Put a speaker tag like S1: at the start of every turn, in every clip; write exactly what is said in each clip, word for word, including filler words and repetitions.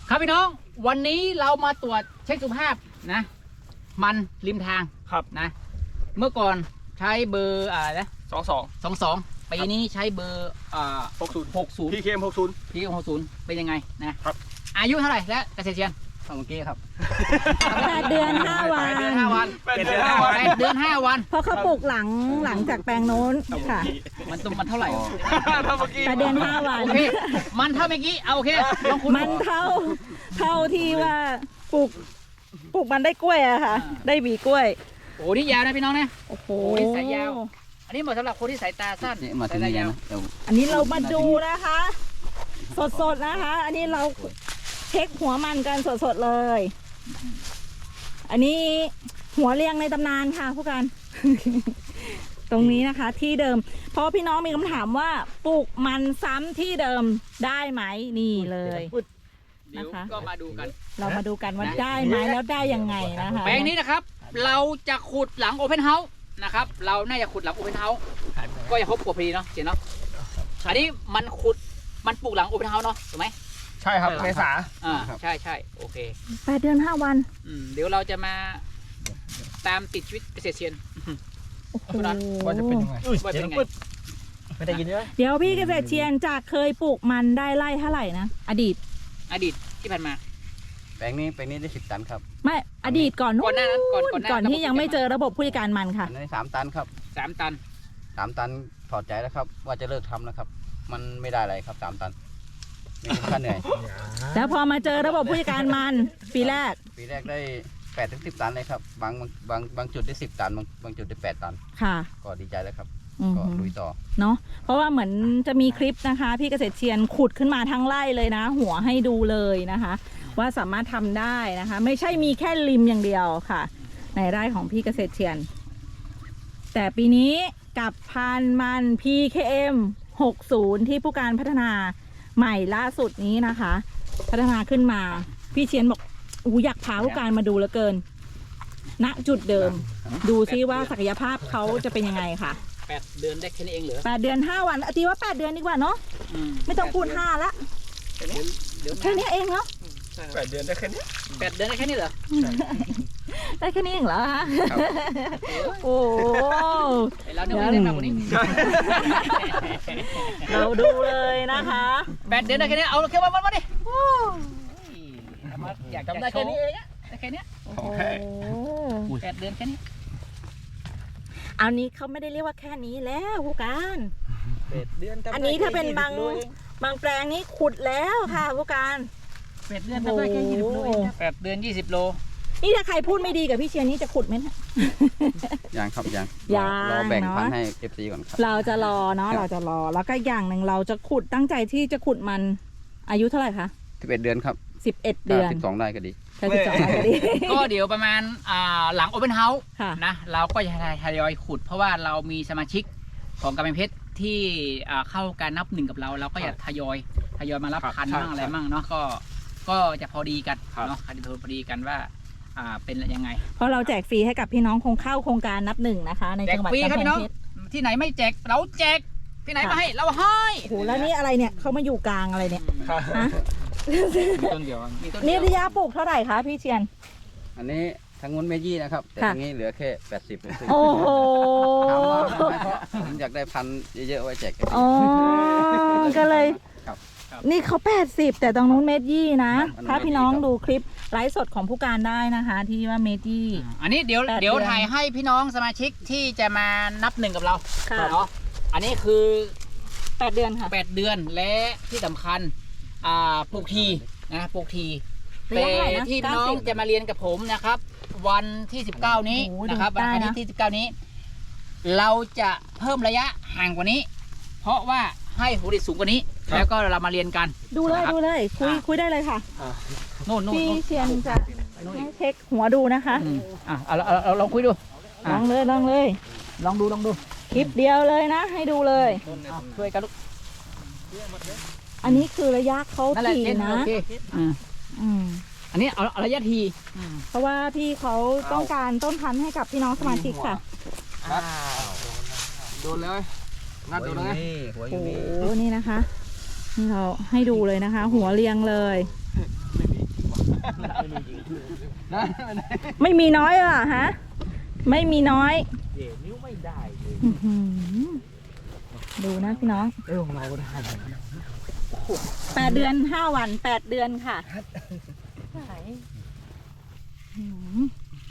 S1: ครับพี่น้องวันนี้เรามาตรวจเช็คสุขภาพนะมันริมทางครับนะเมื่อก่อนใช้เบอร์อะไรนะ
S2: สองสอง
S1: สองสองปีนี้ใช้เบอร์อ่า
S2: หกศูนย์
S1: หกศูนย์
S2: พีเคมหกศูนย์
S1: พีหกศูนย์เป็นยังไงนะครับอายุเท่าไหร่และเกษตรเชียนเมื่อกี้ครับ
S3: แปดเดือนห้าวัน
S1: แปดเดือนห้าวัน
S2: แปดเดือนห้าวัน
S1: แปดเดือนห้าวัน
S3: เพราะเขาปลูกหลังหลังจากแปลงโน้นค่ะ
S1: มันตัวมันเท่าไหร่
S2: ถ้าเมื่อกี้
S3: แปดเดือนห้าวัน
S1: โอเคมันเท่าเมื่อกี้เอาโอเคลองคุณ
S3: มันเท่าเท่าที่ว่าปลูกปลูกมันได้กล้วยอะค่ะ ได้หวีกล้วย
S1: โอ้นี่ยาวนะพี่น้องนะ
S3: โอ้โห
S1: โอ้นี่สายยาว อันนี้เหมาะสำหรับคนที่สายตาสั้นสายตายาว
S3: อันนี้เรามาดูนะคะ สดๆนะคะ อันนี้เราเช็คหัวมันกันสดๆเลย อันนี้หัวเรียงในตำนานค่ะผู้การ ตรงนี้นะคะที่เดิมเพราะพี่น้องมีคำถามว่าปลูกมันซ้ำที่เดิมได้ไหมนี่เลย
S1: เดี๋ยวก็มาดูกัน
S3: เรามาดูกันว่าได้ไหมแล้วได้ยังไงนะคะ
S1: แปลงนี้นะครับเราจะขุดหลังโอเพนเฮาส์นะครับเราน่าจะขุดหลังโอเพนเฮาส์ก็จะครบกว่าพอดีเนาะเจ๋งเนาะอันนี้มันขุดมันปลูกหลังโอเพนเฮาส์เนาะถูกไหม
S2: ใช่ครับเมษา
S1: อ่าใช่ใช่โอเค
S3: แปดเดือนห้าวัน
S1: อืมเดี๋ยวเราจะมาตามติดชีวิตเกษตรเชียน
S3: โอ้โห
S2: ว่าจะเป็นยังไง
S1: ว่าเป็นไง
S2: ไม่ได้ยินเลย
S3: เดี๋ยวพี่เกษตรเชียนจากเคยปลูกมันได้ไร่เท่าไหร่นะอดีต
S1: อดีตที่ผ่านมา
S4: แปลงนี้แปลงนี้ได้สิบตันครับ
S3: ไม่อดีตก่อน
S1: ก่อนหน้านั้นก่อนก่อนหน้า
S3: ก่อนที่ยังไม่เจอระบบผู้จัดการมันค่ะ
S4: อันนี้สามตันครับ
S1: สามตัน
S4: สามตันถอดใจแล้วครับ ว่าจะเลิกทำแล้วครับ มันไม่ได้อะไรครับสามตันไม่คุ้มค่าเหนื่อย
S3: แล้วพอมาเจอระบบผู้จัดการมันปีแรก
S4: ปีแรกได้แปดถึงสิบตันเลยครับบางบางบางจุดได้สิบตันบางบางจุดได้แปดตัน
S3: ค่ะ
S4: ก็ดีใจแล้วครับ
S3: อืม
S4: ก็ลุยต่อ
S3: เนาะเพราะว่าเหมือนจะมีคลิปนะคะ พี่เกษตรเชียนขุดขึ้นมาทั้งไร่เลยนะ หัวให้ดูเลยนะคะ ว่าสามารถทำได้นะคะ ไม่ใช่มีแค่ริมอย่างเดียวค่ะ ในไร่ของพี่เกษตรเชียน แต่ปีนี้กับพันธุ์มัน พี เค เอ็ม หกสิบ ที่ผู้การพัฒนาใหม่ล่าสุดนี้นะคะ พัฒนาขึ้นมาพี่เชียนบอกอู้อยากพาผู้การมาดูเหลือเกิน ณจุดเดิม ดูซิว่าศักยภาพเขาจะเป็นยังไงค่ะ
S1: แปดเดือนได้แค่นี้เองเหรอ
S3: แปดเดือนห้าวันอตีว่าแปดเดือนดีกว่าเนาะไม่ต้องพูดห้าละ
S1: เดี๋ยว
S3: แค่นี้เองเนาะ
S2: แปดเดือนได้แค่นี้
S1: แปดเดือนได้แค่นี้เหรอ
S3: ได้แค่นี้เองเหรอฮะโอ้
S1: ไอเราเนี่ยไม่ได้มากกว่านี้
S3: เราดูเลยนะคะ
S1: แปดเดือนได้แค่นี้เอาแค่วันวันมาดิอยากจำได้แค่นี้เองอะได้แค่นี้
S3: โอ้โห
S1: แปดเดือนแค่นี้
S3: อันนี้เขาไม่ได้เรียกว่าแค่นี้แล้วผู้การ
S2: แปดเดือน
S3: อันนี้ถ้าเป็นบางบางแปลงนี้ขุดแล้วค่ะผู้การ
S1: แปดเดือนทำได้แค่ยี่สิบโลแปดเดือนยี่สิบโล
S3: นี่ถ้าใครพูดไม่ดีกับพี่เชียร์นี่จะขุดไหมนะ
S4: ยังครับยัง
S3: ยัง
S4: รอแบ่ง
S3: เนอะ
S4: พันธุ์ให้เอฟซีก่อนครับ
S3: เราจะรอเนาะเราจะรอแล้วก็อย่างหนึ่งเราจะขุดตั้งใจที่จะขุดมันอายุเท่าไหร่คะ
S4: สิบเอ็ดเดือนครับ
S3: สิบเอ็ดเดือน
S4: สิบสองได้ก็ดี
S3: แค่สิบสองก็ดี
S1: ก็เดี๋ยวประมาณอ่าหลังโอเ n นเฮาส์
S3: ค่ะ
S1: นะเราก็จะทยอยขุด เพราะว่าเรามีสมาชิกของกำแพงเพชรที่อ่าเข้าการนับหนึ่งกับเราเราก็อยากทยอยทยอยมารับพันธุ์มั่งอะไรมั่งเนาะก็ก็จะพอดีกันเนาะจะพอดีกันว่าอ่าเป็นยังไง
S3: เพราะเราแจกฟรีให้กับพี่น้องคงเข้าโครงการนับหนึ่งนะคะ ใน
S1: แจก
S3: จังหวัด
S1: ฟรี
S3: กำ
S1: ครับ
S3: แพ
S1: พี่
S3: ง
S1: น้อง
S3: เพชร
S1: ที่ไหนไม่แจกเราแจกที่ไหนมาให้เราให้
S3: โอ้โหแล้วนี่อะไรเนี่ยเขามาอยู่กลางอะไรเนี่ยฮะ
S1: มีต้นเดียวมีต้นเดี
S3: นี่
S1: ยว
S3: ระยะปลูกเท่าไหร่คะพี่เชียน
S4: อันนี้ทางงุ้นเมยี่นะครับแต่
S3: ค่ะ
S4: ทางนี้เหลือแค่แปดสิบ
S3: โอ้โห
S4: ถามว่าทำไมเพราะผมอยากได้พันธุ์เยอะๆไว้แจกกัน
S3: อ๋อก็เลย
S4: ครับ
S3: นี่เขาแปดสิบแต่ตรงนู้นเมตรยี่นะ
S4: อันนู้น
S3: ถ้าพี่น้องดูคลิปไลฟ์สดของผู้การได้นะคะ ที่ว่าเมตรยี่
S1: อันนี้เดี๋ยว
S3: แปด
S1: เดี๋ยว
S3: เดือน
S1: ถ่ายให้พี่น้องสมาชิกที่จะมานับหนึ่งกับเรา
S3: ค่ะ
S1: เนาะอันนี้คือ
S3: แปดเดือนค่ะ
S1: แปดเดือนและที่สำคัญอ่าปลูกทีนะปลูกที
S3: ระ
S1: แต่
S3: ยะเท่าไหร่นะ
S1: ที่พี่น้อง
S3: เก้าสิบ
S1: จะมาเรียนกับผมนะครับ วันที่สิบเก้านี้
S3: โอ้โห
S1: นะครับ
S3: ได้
S1: วัน
S3: นะ
S1: อาทิตย์ที่สิบเก้านี้ เราจะเพิ่มระยะห่างกว่านี้ เพราะว่าให้ผลผลิตสูงกว่านี้ แล้วก็เรามาเรียนกัน
S3: ดูเลย
S1: นะครับ
S3: ดูเลยคุย
S1: อ่ะ
S3: คุยได้เลยค่ะ
S1: โน่นโน่น
S3: พี่
S1: โน่น
S3: เชียนจะให้เช็คหัวดูนะคะ
S1: อืมอ่ะเอาเอาเอาลองคุยดู
S3: ล
S1: อ่ะ
S3: องเลยลองเลย
S1: ลองดูลองดู
S3: คลิปเดียวเลยนะ ให้ดูเลย
S1: เอาช่วยกันลูก
S3: อันนี้คือระยะเขา
S1: นั่นแหละ
S3: ถี่
S1: เจน
S3: นะ
S1: โอเคอืม
S3: อืม
S1: อันนี้เอาเอาระยะทีอืม
S3: เพราะว่าพี่เขาต้องการต้นพันธุ์ให้กับพี่น้องสมาชิกค่ะ
S2: โดนเลยนัดโดนเลย
S4: หัวอ
S3: โอ้
S4: ยู่
S3: โห
S4: นี่
S3: นี่นะคะ นี่เราให้ดูเลยนะคะ หัวเรียงเลยไม่มีน้อยอ่ะฮะ ไม่มีน้อย
S2: เดี๋ยวนิ้วไม่ได้เลย
S3: อื้อหือดูนะพี่น้อง
S2: เออของเราได้
S3: แปดเดือนห้าวันแปดเดือนค่ะอื้อหือ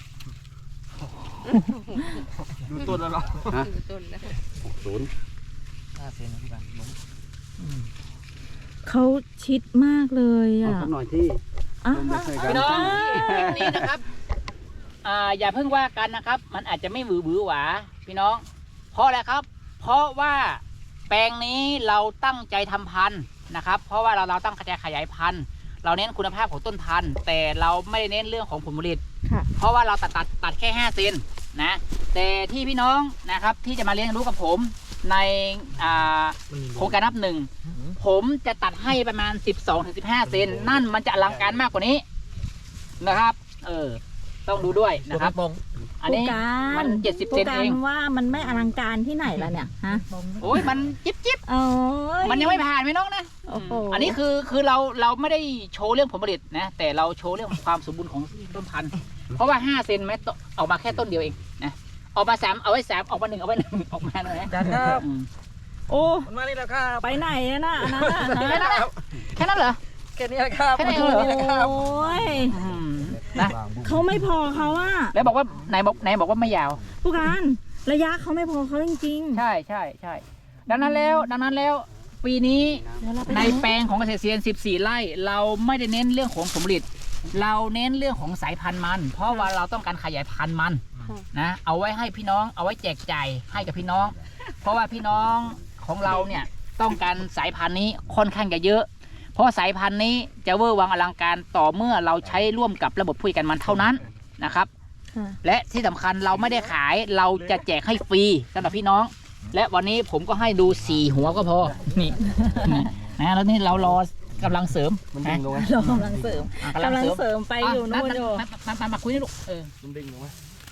S2: ดูต้นแล้วเหรอ
S4: ฮะหกศูนย์
S2: ห้าเซนนะพี่บันล้ม
S3: เขาชิดมากเลย
S4: เอา
S3: อ่ะ
S4: สักหน่อยที่
S3: อ่ะ
S4: ลงไม่เคยกั
S1: พี่น้องคลิปนี้นะครับอ่าอย่าเพิ่งว่ากันนะครับ มันอาจจะไม่หวือหวือหวาพี่น้อง เพราะอะไรครับ เพราะว่าแปลงนี้เราตั้งใจทำพันธุ์นะครับ เพราะว่าเราเราตั้งใจขยายพันธุ์ เราเน้นคุณภาพของต้นพันธุ์ แต่เราไม่ได้เน้นเรื่องของผลผลิต
S3: ค่ะ
S1: เพราะว่าเราตัดตัดตัดแค่ห้าเซนนะ แต่ที่พี่น้องนะครับที่จะมาเรียนรู้กับผมในอ่าโครงการนับหนึ่ง ผมจะตัดให้ประมาณ สิบสองถึงสิบห้า เซน นั่นมันจะอลังการมากกว่านี้นะครับ เออ ต้องดูด้วยนะครับ อันนี้
S3: ผู้การ
S1: มันเจ็ดสิบ
S3: ผู้
S1: เซน
S3: กา
S1: เอ
S3: รง ว่ามันไม่อลังการที่ไหนล่ะเนี่ยฮะ
S1: โอ้ยมันจิ๊บจิ๊บ
S3: โอ้ย
S1: มันยังไม่ผ่านพี่น้องนะ
S3: โอ้โห
S1: อันนี้คือคือเราเราไม่ได้โชว์เรื่องผลผลิตนะ แต่เราโชว์เรื่องความสมบูรณ์ของต้นพันธุ์ เพราะว่าห้าเซนไม่ตออกมาแค่ต้นเดียวเองนะออกมาสามเอาไว้สามออกมาหนึ่งเอาไว้หนึ่งออกมาเลยนะ
S2: จัดครับ
S1: อืม
S3: โอ้
S2: มันมานี่แล้วครับ
S3: ไปไหนอะน่ะอันนั้นน่ะ
S1: แค่นั้นแหละแค่นั้นเหรอ
S2: แค่นี้แหละครับ
S1: แค่นี้
S3: โอ
S1: เหรอ
S3: ้ย
S1: อืมนะ
S3: เขาไม่พอเขาอะ
S1: แล้วบอกว่าไหนบอกไหนบอกว่าไม่ยาว
S3: ผู้การระยะเขาไม่พอเขาจริง
S1: ใช่ใช่ใช่ดังนั้นแล้วดังนั้นแล้วปีนี้
S3: ๆเดี๋ยวเราไป
S1: ใน
S3: ดู
S1: แปลงของเกษตรเซียนสิบสี่ไร่เราไม่ได้เน้นเรื่องของผลผลิต เราเน้นเรื่องของสายพันธุ์มัน เพราะว่าเราต้องการขยายพันธุ์มันนะเอาไว้ให้พี่น้องเอาไว้แจกจ่ายให้กับพี่น้อง เพราะว่าพี่น้องของเราเนี่ยต้องการสายพันธุ์นี้ค่อนข้างจะเยอะ เพราะสายพันธุ์นี้จะเวอร์วังอลังการต่อเมื่อเราใช้ร่วมกับระบบผู้จัดการมันเท่านั้นนะครับ
S3: ค่ะ
S1: และที่สำคัญเราไม่ได้ขายเราจะแจกให้ฟรีสำหรับพี่น้อง และวันนี้ผมก็ให้ดูสี่หัวก็พอนี่นี่นะแล้วนี่เรารอกำลังเสริม
S2: มันดึงลงไหม
S3: เรากำลังเสริม
S1: อ่ะ
S3: กำลังเสริมไปอยู่นู่นอยู่
S1: มามามามาคุยนี่ลูกเออ
S2: มันดึงลงไหม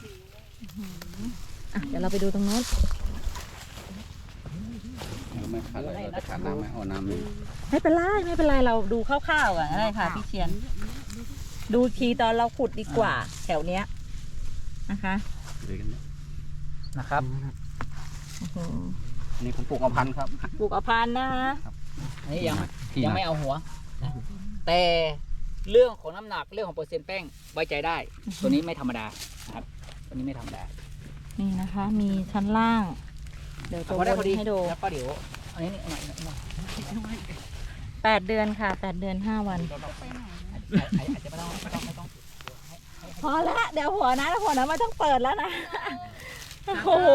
S3: อ่ะเดี๋ยวเราไปดูตรงโน้น
S4: ไม่ขาดอะไรเราจะขาดน้ำไหมเอาน้ำนี่
S3: ไม่เป็นไรไม่เป็นไรเราดูคร่าวๆอ่ะได้ค่ะพี่เชียน ดูทีตอนเราขุดดีกว่า แถวเนี้ยนะคะ
S4: เดี๋ยวกันนะ
S1: นะครับ
S3: โอ้โห
S4: อันนี่ผมปลูกเอาพันธุ์ครับ
S3: ปลูกอภันนะคะ
S1: อันนี้ยัง
S4: ที่
S1: ยัง
S4: นะ
S1: ไม่เอาหัวนะแต่เรื่องของน้ำหนักเรื่องของเปอร์เซ็นต์แป้งไว้ใจได้ ตัวนี้ไม่ธรรมดานะครับตัวนี้ไม่ธรรมดา
S3: นี่นะคะ มีชั้นล่าง เดี๋ยวตัว
S1: พอได้
S3: บ
S1: พอน ดี
S3: ให้ดู
S1: แล้วก็เดี๋ยวอันนี้นี่หน่อยหน่อยหน่อย
S3: แปดเดือนค่ะแปดเดือนห้าวัน
S1: อาจจะไม่ต้องไม่ต้องไม่ต้อง
S3: พอละเดี๋ยวหัวนะหัวนะไม่ต้องเปิดแล้วนะโอ้โห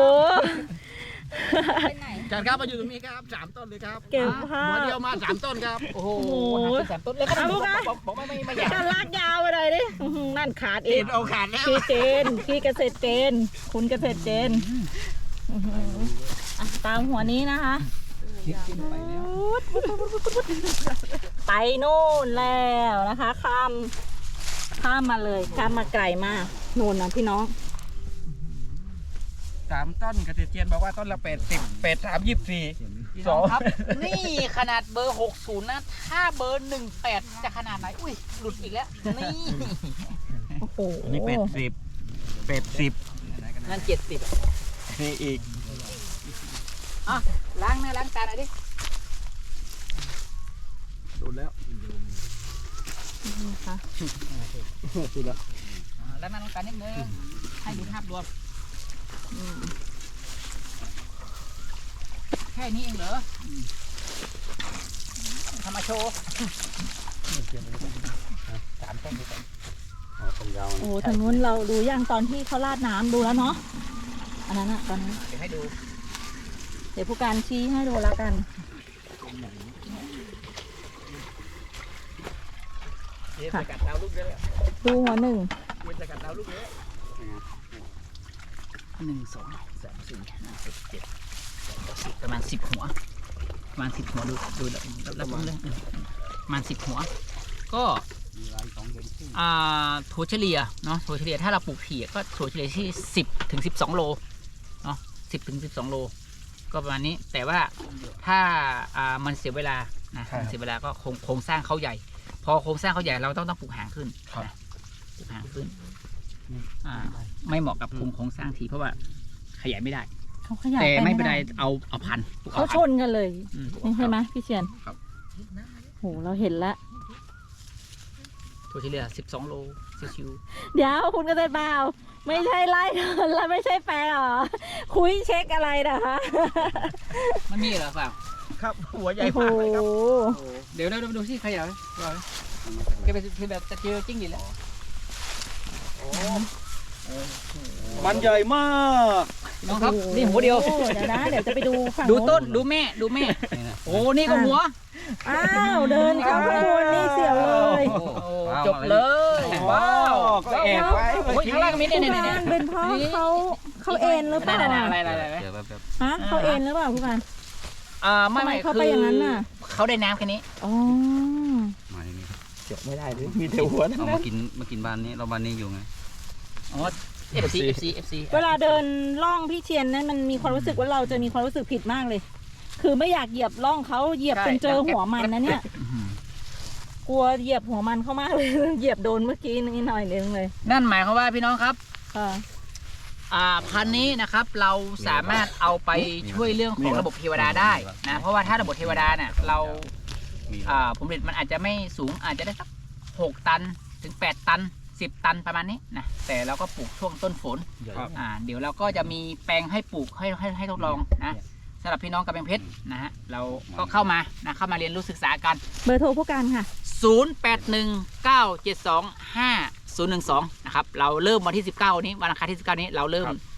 S2: จัดครับมาอยู่ตรงนี้ครับสามต้นเลยครับ
S3: เก็บภา
S2: หัว
S3: พ
S2: เดียวมาสามต้นครับ
S1: โอ้โห
S3: โอ้โห
S1: หาเป็นแสนต้นแล้วก็
S3: เอาลูกนะ
S1: บอกบอกว่าไม่ไม่อยาก
S3: จะลากยาวไปเลยดิอื้อหือนั่นขาดอี
S2: เอ็
S3: ก
S2: นเอาขาดแล้ว
S3: พี่เจนพี่เกษตรเจน คุณเกษตรเจนอื้อหืออ่ะตามหัวนี้นะคะ ไปนู่นแล้วนะคะ ข้ามข้ามมาเลยข้ามมาไกลมากนู่นนะพี่น้อง
S2: สามต้นเกษตรเจียนบอกว่าต้นละแปดสิบแปดสามยี่สิบสี่
S1: พี่น้องครับ นี่ขนาดเบอร์หกสิบนะ ถ้าเบอร์หนึ่งแปดจะขนาดไหน อุ้ย หลุดอีกแล้ว นี่
S3: โอ้โห
S2: อันนี้แปดสิบแปดสิบ
S1: นั่นเจ็ดสิบ
S2: นี่อีก
S1: อ่ะล้างหน้าล้างตาหน่อยดิ
S2: โดนแล้ว
S3: นะคะ
S2: สุดแล้ว
S1: อ่าล้างหน้าล้างตานิดนึง ให้ดูภาพรวม
S3: อืม
S1: แค่นี้เองเหรออืมทำมาโชว์
S4: สามต้นด้วยกันอ๋อต้นยาว
S3: โอ้
S4: นะ
S3: ทางนู้นเราดูย่างตอนที่เขาราดน้ำดูแล้วเนาะอันนั้นอะตอนนั้น
S1: เดี๋ยวให้ดู
S3: เดี๋ยวผู้การชี้ให้ดูแล้วกัน
S1: เดี๋ยวสกัดดาวลูกเยอะ
S3: ดูหัวหนึ่ง
S1: เดี๋ยวสกัดดาวลูกเยอะหนึ่งสองสามสี่ห้าหกเจ็ดแปดเก้าสิบประมาณสิบหัว ประมาณสิบหัวดูดูแล้วแล้วผมเลยประมาณสิบหัว ก็
S4: มีรายสองเดือนครึ่ง
S1: อ่าถั่วเฉลี่ยเนาะถั่วเฉลี่ยถ้าเราปลูกผีก็ถั่วเฉลี่ยที่สิบถึงสิบสองโลเนาะสิบถึงสิบสองโลก็ประมาณนี้แต่ว่าถ้าอ่ามันเสียเวลานะมันเสียเวลาก็โครงโครงสร้างเขาใหญ่พอโครงสร้างเขาใหญ่เราต้องต้องปลูกหางขึ้น
S2: ครับ
S1: นะปลูกหางขึ้นอ่าไม่เหมาะกับภูมิโครงสร้างทีเพราะว่าขยายไม่ได้
S3: เขาขยาย
S1: แต่ไม่เป็นไร
S3: ด้
S1: เอาเอาพันปลูก
S3: เขา
S1: อ
S3: ช
S1: พัน
S3: นกันเลย
S1: อืม
S3: นี่ใช่ไหมพี่เชียน
S4: ครับ
S3: โหเราเห็นแล้ว
S1: ตัวที่เหลือสิบสองโลชิว
S3: เดี๋ยวคุณเกษตรบ่าวไม่ใช่ไล่แล้วไม่ใช่แปลหรอ คุยเช็คอะไรนะคะ
S1: ๆมันมีเหรอเปล่า
S2: ครับหัวใหญ่
S3: โอ้โห
S2: มากเลยครับ
S1: เดี๋ยวเราดูสิใครเหรอเหรอแกเป็นคือแบบจะเจอจิ้งหรีดแล้ว
S2: มันใหญ่มาก
S1: น้องครับนี่หัวเดียว
S3: โอ้โหเดี๋ยวนะเดี๋ยวจะไปดูฝั่ง
S1: ดูต้น
S3: โ
S1: ดูแม่ดูแม่
S4: นี่นะ
S1: โอ้นี่ก็หัว
S3: อ้าวเดินเข้าข้างบนนี่เสียวเลย
S1: โอ้จบเลยว้าว
S2: ก็แอบไว้
S1: โอ้ยข้างล่างมี
S3: ผู้
S1: เนี่ยเนี่ย
S3: กา
S1: เนี่ย
S3: รเป็นเพราะเขาเขาเอ็นหรือเปล่า
S1: นั่น
S3: อะ
S1: ๆๆอะไรอะไรอะไร
S4: เดี๋ยวแบบแบบ
S3: ฮะเขาเอ็นหรือเปล่าผู้การ
S1: อ่าไม่ไม่
S3: ทำไมเขาไปอย่างนั้นน่ะ
S1: เขาได้น้ำแค่นี้
S3: อ๋อ
S4: มาอย่างนี้ครับ
S2: เจาะไม่ได้เลยมีแต่หัวทั้ง
S4: เอา
S2: นั้
S4: มาน กินมากินบ้านนี้เราบ้านนี้อยู่ไง
S1: อ๋อ เอฟ ซี เอฟ ซี เอฟ ซี
S3: เวลาเดินล่องพี่เชียนนั้นมันมีความรู้สึกว่าเราจะมีความรู้สึกผิดมากเลย คือไม่อยากเหยียบล่องเขาเหยียบจนเจอหัวมันนะเนี่ย กลัวเหยียบหัวมันเข้ามากเลย เหยียบโดนเมื่อกี้นิดหน่อยนึงเลย
S1: นั่นหมายความว่าพี่น้องครับ
S3: ค่ะ
S1: อ่าพันธุ์นี้นะครับเราสามารถเอาไปช่วยเรื่องของระบบเทวดาได้นะเพราะว่าถ้าระบบเทวดาเนี่ยเรา
S4: มี
S1: อ่าผลผลิตมันอาจจะไม่สูงอาจจะได้สักหกตันถึงแปดตันสิบตันประมาณนี้นะแต่เราก็ปลูกช่วงต้นฝน
S2: ครับ
S1: อ่าเดี๋ยวเราก็จะมีแปลงให้ปลูกให้ให้ให้ทดลองนะสำหรับพี่น้องกำแพงเพชรนะฮะเราก็เข้ามานะเข้ามาเรียนรู้ศึกษากัน
S3: เบอร์โทรผู้การค่ะ
S1: ศูนย์ แปด หนึ่ง เก้า เจ็ด สอง ห้า ศูนย์ หนึ่ง สองนะครับเราเริ่มวันที่สิบเก้านี้วันอังคารที่สิบเก้านี้เราเริ่ม
S2: ครับ